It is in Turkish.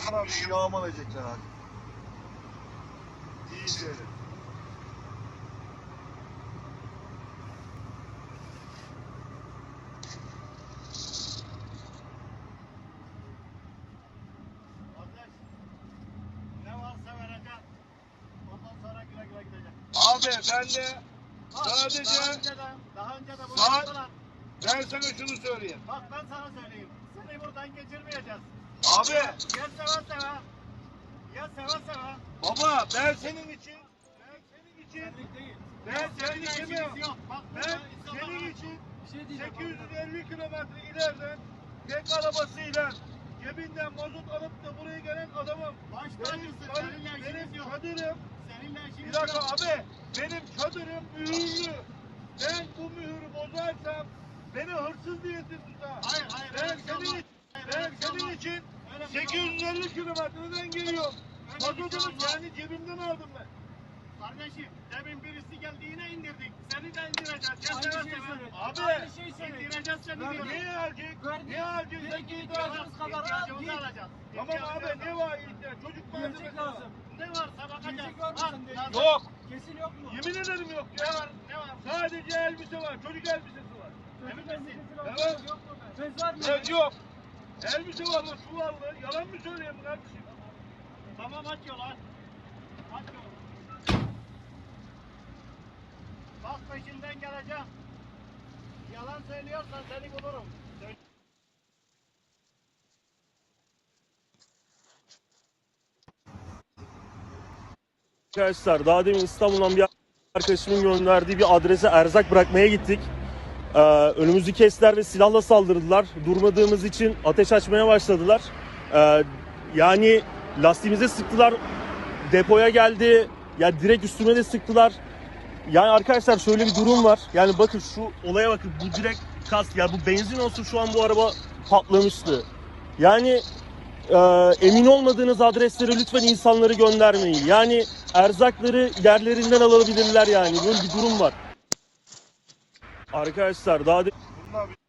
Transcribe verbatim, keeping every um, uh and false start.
Bana bir yağmalayacaklar abi. İyice. Abi ben de sadece Daha önce de, daha önce de bunu Saat- yaptılar. ben sana şunu söyleyeyim. Bak ben sana söyleyeyim. Seni buradan geçirmeyeceğiz. Abi Ya seve seve. Ya seve seve. baba ben senin için ben senin için Senlik değil. ben senin Seninle için işimiz yok. Bak ben burada insanlar- senin için Bir şey diyeceğim. sekiz yüz elli kilometre ileriden tek arabasıyla cebinden mazot alıp da buraya gelen adamım. Baş Benim, tacısın. çadır- Seninle benim işimiz yok. çadırım, Seninle bir işimiz dakika yok. abi, benim çadırım mühürlü. Ben bu mühürü bozarsam beni hırsız diye tutar. Hayır hayır. Ben öyle bir şey senin, olmaz. Hayır, ben öyle bir şey senin olmaz. için Öyle bir şey sekiz yüz elli kilometreden geliyorum. Öyle bir şey Mazotunu olmaz. kendi cebimden aldım ben. Kardeşim demin birisi geldi yine indirdik. Seni de indireceğiz. Ya Aynı seve şeyi seve. söyle. Abi, Aynı şeyi söyle. İndireceğiz seni Ver, diyorum. Niye alacak? Verdi. Niye alacak? Bir Sen iki git ihtiyacımız al. kadar al. İhtiyacımızı Git. alacağız. Tamam abi ne var ihtiyaç? Çocuk Gerçek malzemesi lazım. Ne varsa bakacağız. Gerçek var mı Al, sende? lazım. Yok. Kesin yok mu? Yemin ederim yok Ne ya. var? Ne var? Sadece elbise var. Çocuk elbisesi var. Emin Çocuk misin? elbisesi var. Evet. Yok mu? Bez var mı? Evet yok. Elbise var mı? Su var mı? Yalan mı söyleyeyim kardeşim? Tamam aç yolu aç. Aç yolu. Bak peşinden geleceğim. Yalan söylüyorsan seni bulurum. Söyle- Arkadaşlar daha demin İstanbul'dan bir arkadaşımın gönderdiği bir adrese erzak bırakmaya gittik. Ee, önümüzü kestiler ve silahla saldırdılar. Durmadığımız için ateş açmaya başladılar. Ee, yani lastiğimize sıktılar. Depoya geldi. Ya direkt üstüme de sıktılar. Yani arkadaşlar şöyle bir durum var. Yani bakın şu olaya bakın. Bu direkt kask. Ya bu benzin olsun şu an bu araba patlamıştı. Yani Ee, emin olmadığınız adreslere lütfen insanları göndermeyin. Yani erzakları yerlerinden alabilirler yani. Böyle bir durum var. Arkadaşlar daha de- Bunlar